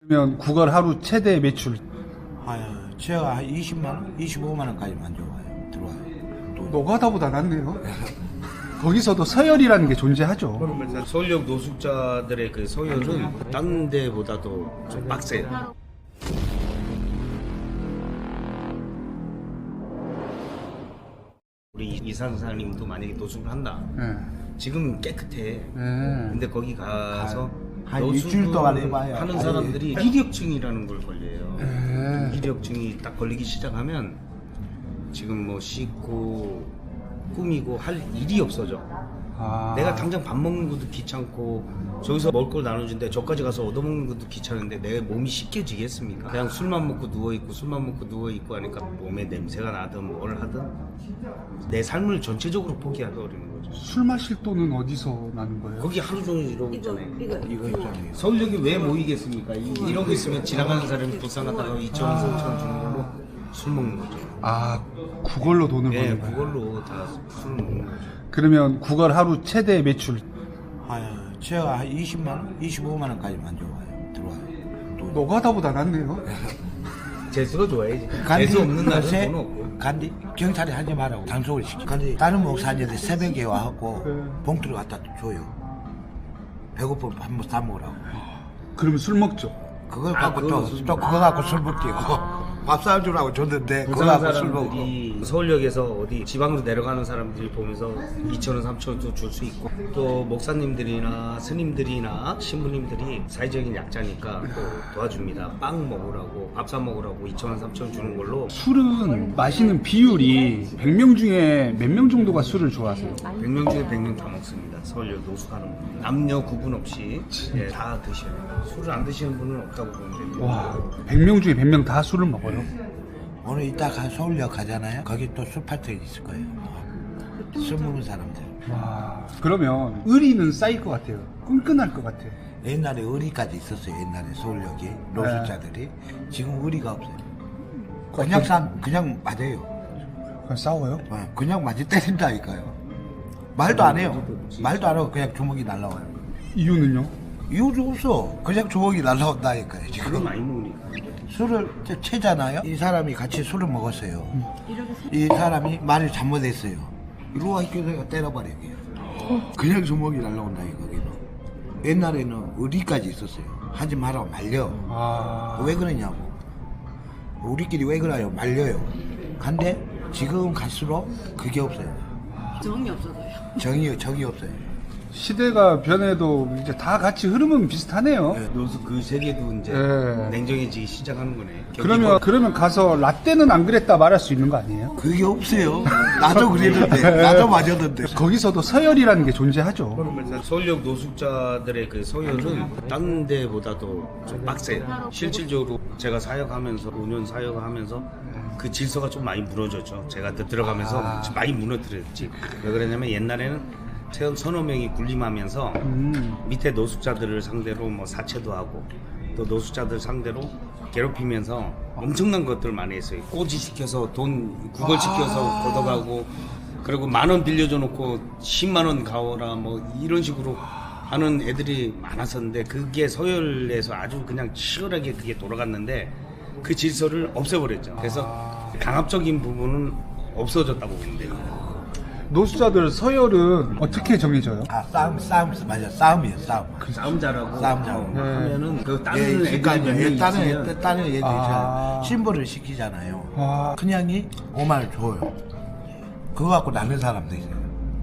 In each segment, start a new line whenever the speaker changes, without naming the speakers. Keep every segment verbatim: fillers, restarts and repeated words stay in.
그러면 구걸 하루 최대 매출
아유, 제가 한 이십만 원, 이십오만 원까지만 들어와요. 들어와요. 또
노가다보다 낫네요. 거기서도 서열이라는 게 존재하죠.
그러면서 서울역 노숙자들의 그 서열은 다른 데보다도 좀 빡세요. 우리 이사장님도 만약에 노숙을 한다.
네.
지금 깨끗해.
네.
근데 거기 가서
한
노숙을
일주일 동안 해봐요.
하는
아니,
사람들이 이력증이라는 걸 걸려요.
네.
이력증이 딱 걸리기 시작하면 지금 뭐 씻고 꾸미고 할 일이 없어져.
아.
내가 당장 밥 먹는 것도 귀찮고 저기서 먹을 걸 나눠주는데 저까지 가서 얻어먹는 것도 귀찮은데 내 몸이 씻겨지겠습니까? 그냥 술만 먹고 누워있고 술만 먹고 누워있고 하니까 몸에 냄새가 나든 뭘 하든 내 삶을 전체적으로 포기하기 어려운 거죠.
술 마실 돈은 어디서 나는 거예요?
거기 하루 종일 이러고 있잖아요.
이거 있잖아요.
서울역이 왜 모이겠습니까? 이- 이러고 있으면 지나가는 사람이 불쌍 하다가 이천 원, 삼천 원 주는 걸로 술 먹는 거죠.
아, 그걸로 돈을
예,
버는 거예요.
그걸로 다 술 먹는 거죠.
그러면 구걸 하루 최대 매출
아유, 제가 한 이십만 원, 이십오만 원까지만 들어와요. 들어와요. 또
노가다보다 낫네요.
재수가 좋아야지.
간디,
재수 없는 날은
요새
돈 없고.
간디 경찰이 하지 말라고 단속을 시키. 근데 다른 목사님들 새벽에 와갖고
네.
봉투를 갖다 줘요. 배고프면 밥뭐 사 먹으라고.
그러면 술 먹죠.
그걸
아,
갖고
그거는
또,
술
또 그거 갖고 술 먹기고 밥 사주라고 줬는데 그거
부산
갖고 술 먹고.
사람들이 서울역에서 어디 지방으로 내려가는 사람들이 보면서 이천 원, 삼천 원도 줄 수 있고 또 목사님들이나 스님들이나 신부님들이 사회적인 약자니까 또 도와줍니다. 빵 먹으라고 밥 사 먹으라고 이천 원, 삼천 원 주는 걸로
술은 마시는 비율이 백 명 중에 몇 명 정도가 술을 좋아하세요?
백 명 중에 백 명 다 먹습니다. 서울역 노숙하는 분. 남녀 구분 없이 예, 다 드셔요. 술을 안 드시는 분은 없다고 보면 됩니다.
와, 백 명 중에 백 명 다 술을 먹어요?
오늘 이따가 서울역 가잖아요. 거기 또 술 파티가 있을 거예요. 술 먹는 사람들.
와, 그러면 의리는 쌓일 것 같아요. 끈끈할 것 같아요.
옛날에 의리까지 있었어요. 옛날에 서울역에 노숙자들이. 지금 의리가 없어요. 그냥 싸, 그냥 맞아요.
그냥 싸워요?
어, 그냥 맞이 때린다니까요. 말도 안 해요. 말도 안 하고 그냥 주먹이 날라와요.
이유는요?
이유도 없어. 그냥 주먹이 날라온다니까요.
그거
지금
많이 먹으니까.
술을 채- 채잖아요. 이 사람이 같이 술을 먹었어요. 이 사람이 말을 잘못했어요. 이리 와 이렇게 내가 때려버려요. 그냥. 그냥 주먹이 날라온다니까. 거기는. 옛날에는 의리까지 있었어요. 하지 말라고 말려.
아,
왜 그러냐고. 우리끼리 왜 그래요? 말려요. 근데 지금 갈수록 그게 없어요.
정이 없어서요.
정이, 정이 없어요.
시대가 변해도 이제 다 같이 흐름은 비슷하네요.
네.
노숙 그 세계도 이제
예.
냉정해지기 시작하는 거네.
그러면 그러면 가서 라떼는 안 그랬다 말할 수 있는 거 아니에요?
그게 없어요. 나도 그랬는데, 나도 맞았는데.
거기서도 서열이라는 게 존재하죠.
그러면서 서울역 노숙자들의 그 서열은 다른 데보다도 좀 빡세요. 실질적으로 제가 사역하면서 오 년 사역하면서 그 질서가 좀 많이 무너졌죠. 제가 또 들어가면서
아.
좀 많이 무너뜨렸지. 왜 그러냐면 옛날에는 천 서너 명이 군림하면서
음.
밑에 노숙자들을 상대로 뭐 사채도 하고 또 노숙자들 상대로 괴롭히면서 엄청난 것들 많이 했어요. 꼬지 시켜서 돈 구걸 시켜서 걷어가고 그리고 만 원 빌려줘 놓고 십만 원 가오라 뭐 이런 식으로 하는 애들이 많았었는데 그게 서열에서 아주 그냥 치열하게 그게 돌아갔는데 그 질서를 없애버렸죠. 그래서 강압적인 부분은 없어졌다고 보면 돼요.
노숙자들 서열은 어떻게 정해져요?
아, 싸움, 싸움, 맞아. 싸움이에요, 싸움.
싸움 잘하고
싸움 잘하고.
어, 하면은 그 다른
예,
애들이
그러니까
몇명
예, 다른
있으면
애, 다른 애들이
아.
신고를 시키잖아요.
아.
그냥이 오만 원 줘요. 그거 갖고 나는 사람도 있어요.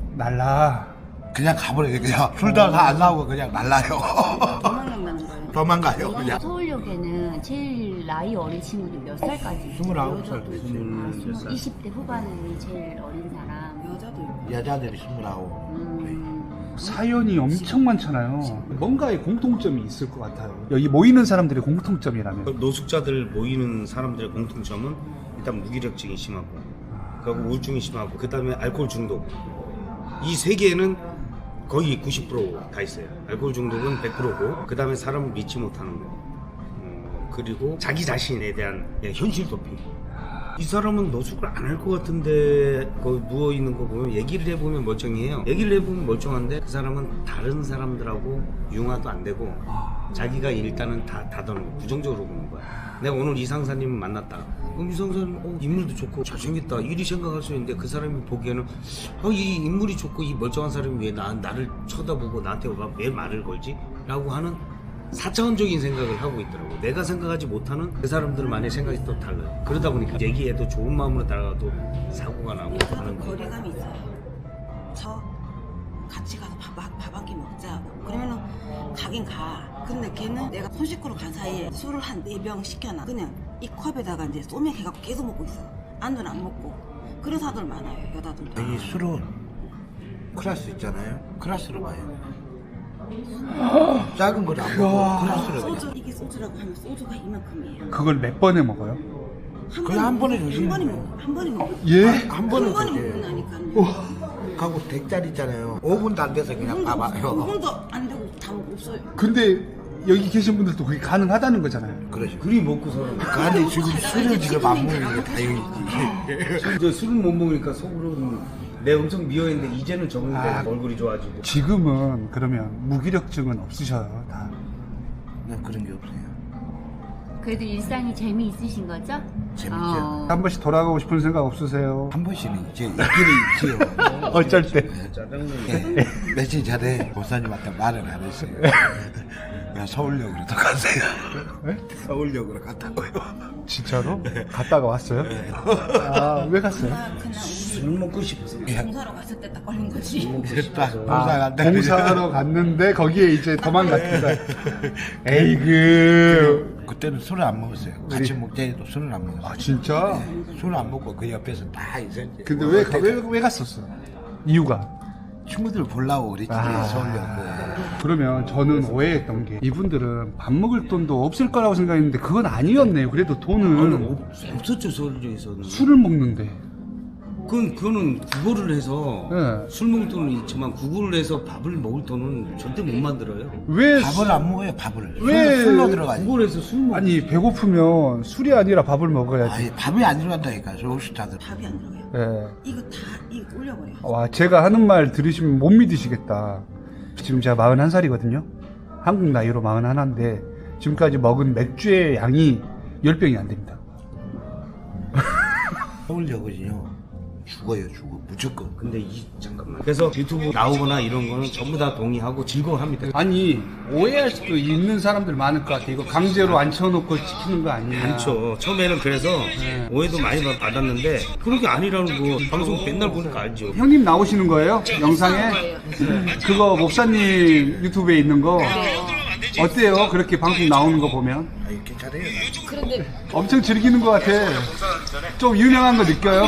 날라.
그냥 가버려요. 그냥 술다가 안 나오고 그냥 날라요.
도망간다는 거예요.
도망가요, 그냥.
서울역에는 제일 나이 어린 친구들 몇 살까지?
스물아홉 살.
스물 살.
이십 대 후반이 제일 어린 사람.
여자도 있고.
여자들이 스물아홉.
음,
사연이 엄청 많잖아요. 뭔가의 공통점이 있을 것 같아요. 여기 모이는 사람들의 공통점이라면.
노숙자들 모이는 사람들의 공통점은 일단 무기력증이 심하고 그리고 우울증이 심하고 그 다음에 알코올 중독 이 세 개는 거의 구십 퍼센트 다 있어요. 알코올 중독은 백 퍼센트고 그 다음에 사람을 믿지 못하는 거 어, 그리고 자기 자신에 대한 예, 현실 도피. 이 사람은 노숙을 안 할 것 같은데 거기 누워있는 거 보면 얘기를 해보면 멀쩡해요. 얘기를 해보면 멀쩡한데 그 사람은 다른 사람들하고 융화도 안 되고 자기가 일단은 다 닫아놓고 부정적으로 보는 거야. 내가 오늘 이상사님 만났다. 그럼 이상사님 어, 인물도 좋고 잘생겼다 이리 생각할 수 있는데 그 사람이 보기에는 어, 이 인물이 좋고 이 멀쩡한 사람이 왜 나, 나를 쳐다보고 나한테 왜 말을 걸지? 라고 하는 사차원적인 생각을 하고 있더라고. 내가 생각하지 못하는 그 사람들만의 생각이 또 달라요. 그러다 보니까 얘기해도 좋은 마음으로 따라가도 사고가 나고 하는 거예요.
거리감이 있어요. 저 같이 가서 밥 한 끼 먹자. 그러면은 가긴 가. 근데 걔는 내가 손 씻고로 간 사이에 술을 한 네 병 시켜놔. 그냥 이 컵에다가 이제 소맥 해갖고 계속 먹고 있어. 안주는 안 먹고. 그런 사람들 많아요, 여자들도.
이 술은 클래스 있잖아요. 클래스로 봐요. 작은 걸 안 먹고 클래스로
소주,
그냥.
이게 소주라고 하면 소주가 이만큼이에요.
그걸 몇 번에 먹어요?
그냥 한 번에
한
드시는
번에
거예요.
먹어. 한 번에 먹어.
예?
한
한
번은
번에
그렇게
먹는다니까요.
가고 댁자리 있잖아요. 오 분도 안 돼서 그냥
오
봐봐요.
분도 안 되고 다 먹고 없어요.
근데 여기 계신 분들도 그게 가능하다는 거잖아요.
그러죠.
그리 먹고 살아.
근데 지금 술을 지금 안 먹는 게 다행이지.
지금 저 술을 못 먹으니까 속으로는 내 엄청 미워했는데 이제는 적응돼.
아.
얼굴이 좋아지고.
지금은 그러면 무기력증은 없으셔요, 다.
난 그런 게 없어요.
그래도 일상이 재미있으신 거죠?
재밌죠.
어.
한 번씩 돌아가고 싶은 생각 없으세요?
한 번씩은 이제 있기는 있지요.
어쩔 때.
짜장면.
예, 며칠 전에 목사님한테 말을 안 했어요. 그냥 서울역으로 더 가세요.
네?
서울역으로 갔다고요.
진짜로? 갔다가 왔어요? 아, 왜 갔어요?
나 그냥
술 먹고 싶어서.
공사로 갔을 때 딱 걸린 거지.
됐다. 공사
아,
간다.
공사하러 갔는데 거기에 이제 도망갔다. 에이그.
그때는 술을 안 먹었어요. 같이 먹자 해도 술을 안 먹었어요.
아, 진짜?
술을 안 먹고 그 옆에서 딱 있었지.
근데 왜, 가- 왜, 왜 갔었어? 이유가?
친구들 보려고 그랬지.
아.
서울역.
그러면 저는 오해했던 게 이분들은 밥 먹을 돈도 없을 거라고 생각했는데 그건 아니었네요. 그래도 돈은
없, 없었죠 서울역에서는.
술을 먹는데.
그건 그거는 구걸을 해서
네.
술 먹을 돈은 있지만 구걸을 해서 밥을 먹을 돈은 절대 못 만들어요.
왜
밥을 안 먹어요. 밥을.
왜
술, 술로 들어가지.
구걸해서 술 먹.
아니 배고프면 술이 아니라 밥을 먹어야지.
아니 밥이 안 들어간다니까. 서울스타들.
밥이 안 들어가요.
예.
이거 다 이거 올려버려.
와, 제가 하는 말 들으시면 못 믿으시겠다. 지금 제가 마흔한 살이거든요. 한국 나이로 마흔하나인데 지금까지 먹은 맥주의 양이 열 병이 안 됩니다.
서울역은요. 죽어요. 죽어. 무조건.
근데 이 잠깐만. 그래서 유튜브 나오거나 이런 거는 전부 다 동의하고 즐거워합니다.
아니, 오해할 수도 있는 사람들 많을 것 같아. 이거 강제로 앉혀놓고 시키는 거 아니냐.
많죠. 처음에는 그래서 오해도 많이 받- 받았는데 그런 게 아니라는 거 방송 맨날 보니까 알죠.
형님 나오시는 거예요? 영상에? 그거 목사님 유튜브에 있는 거 어때요? 그렇게 방송 나오는 거 보면
아, 이렇게 잘해요.
그런데
엄청 즐기는 것 같아. 좀 유명한 거 느껴요?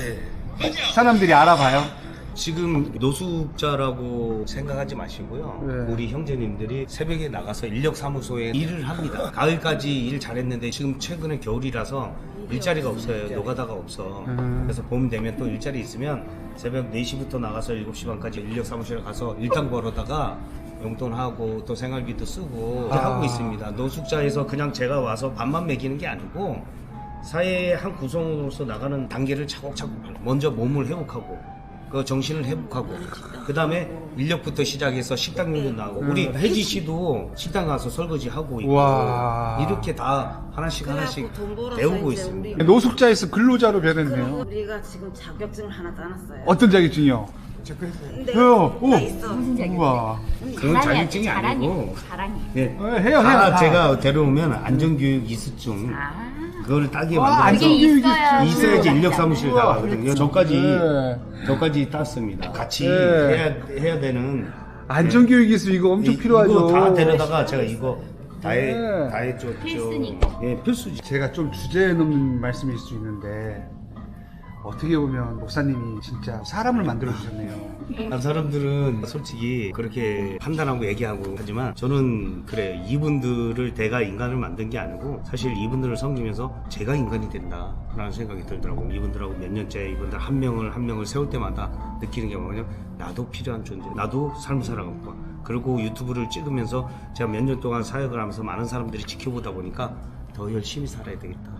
사람들이 알아봐요.
지금 노숙자라고 생각하지 마시고요.
네.
우리 형제님들이 새벽에 나가서 인력사무소에 일을 합니다. 가을까지 일 잘했는데 지금 최근에 겨울이라서 일자리가 없어요. 노가다가 없어.
음.
그래서 봄 되면 또 일자리 있으면 새벽 네 시부터 나가서 일곱 시 반까지 인력사무실에 가서 일당 벌어다가 용돈하고 또 생활비도 쓰고
아.
하고 있습니다. 노숙자에서 그냥 제가 와서 밥만 먹이는 게 아니고 사회의 한 구성으로서 나가는 단계를 차곡차곡 먼저 몸을 회복하고 그 정신을 회복하고 그 다음에 인력부터 시작해서 식당용도 나오고 우리 혜지 씨도 식당 가서 설거지 하고 있고
와.
이렇게 다 하나씩 하나씩
그래갖고 돈 벌어서
배우고
이제
있습니다.
우리-
노숙자에서 근로자로 변했네요.
그리고 우리가 지금 자격증을 하나 따놨어요.
어떤 자격증이요?
근데
왜요? 오.
나 있어.
무슨 자격증?
우와.
그건 자격증이
자랑이야,
아니고
자랑이.
네.
어, 해요, 해요.
다
다.
제가 데려오면 안전교육 이수증
아,
그걸 따게
와,
만들어서
그게
안전교육이
있어야
있어야지 인력사무실
우와.
나가거든요. 저까지
네.
저까지 땄습니다. 같이
네.
해야 해야 되는
안전교육 기술 이거 엄청
이-
필요하죠.
이거 다 데려다가 제가 이거 다해
네.
다해줘.
필수니까.
예, 필수지.
제가 좀 주제에 넘는 말씀일 수 있는데 어떻게 보면 목사님이 진짜 사람을 만들어 주셨네요.
다른 사람들은 솔직히 그렇게 판단하고 얘기하고 하지만 저는 그래 이분들을 내가 인간을 만든 게 아니고 사실 이분들을 섬기면서 제가 인간이 된다라는 생각이 들더라고요. 이분들하고 몇 년째 이분들 한 명을 한 명을 세울 때마다 느끼는 게 뭐냐면 나도 필요한 존재, 나도 삶을 살아가고 그리고 유튜브를 찍으면서 제가 몇 년 동안 사역을 하면서 많은 사람들이 지켜보다 보니까 더 열심히 살아야 되겠다.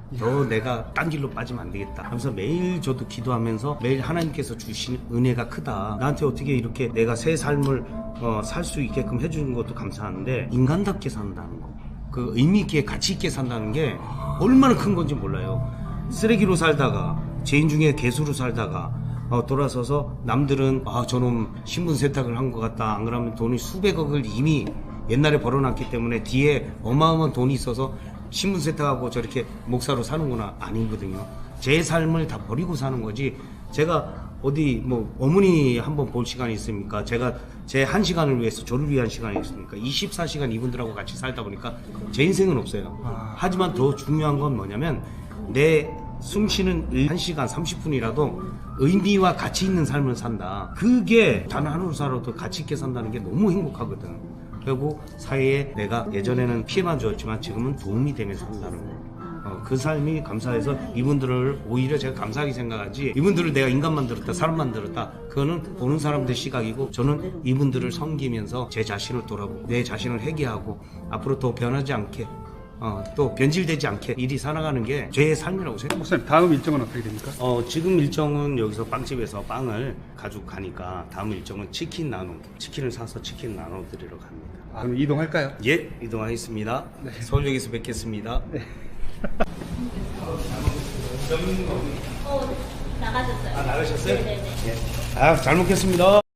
더 내가 딴 길로 빠지면 안 되겠다 하면서 매일 저도 기도하면서 매일 하나님께서 주신 은혜가 크다. 나한테 어떻게 이렇게 내가 새 삶을 어, 살 수 있게끔 해주는 것도 감사한데 인간답게 산다는 거, 그 의미 있게 가치 있게 산다는 게 얼마나 큰 건지 몰라요. 쓰레기로 살다가 죄인 중에 개수로 살다가 어, 돌아서서 남들은 아 저놈 신분 세탁을 한 것 같다, 안 그러면 돈이 수백억을 이미 옛날에 벌어놨기 때문에 뒤에 어마어마한 돈이 있어서 신분 세탁하고 저렇게 목사로 사는구나. 아니거든요. 제 삶을 다 버리고 사는 거지. 제가 어디 뭐 어머니 한번 볼 시간이 있습니까? 제가 제 한 시간을 위해서 저를 위한 시간이 있습니까? 이십사 시간 이분들하고 같이 살다 보니까 제 인생은 없어요. 하지만 더 중요한 건 뭐냐면 내 숨쉬는 한 시간 삼십 분이라도 의미와 가치 있는 삶을 산다. 그게 단 하루 살아도 가치 있게 산다는 게 너무 행복하거든. 그리고 사회에 내가 예전에는 피해만 주었지만 지금은 도움이 되면서 산다는 거. 어, 그 삶이 감사해서 이분들을 오히려 제가 감사하게 생각하지, 이분들을 내가 인간 만들었다, 사람 만들었다, 그거는 보는 사람들 시각이고, 저는 이분들을 섬기면서 제 자신을 돌아보고 내 자신을 회개하고 앞으로 더 변하지 않게 어, 또 변질되지 않게 일이 살아가는 게 제 삶이라고 생각합니다.
목사님 다음 일정은 어떻게 됩니까?
어, 지금 일정은 여기서 빵집에서 빵을 가지고 가니까 다음 일정은 치킨 나눠, 치킨을 사서 치킨 나눠드리러 갑니다.
아, 그럼 이동할까요?
예, 이동하겠습니다. 서울역에서 뵙겠습니다.
네.
어, 나가셨어요.
아, 나가셨어요?
네네네.
아, 잘 먹겠습니다.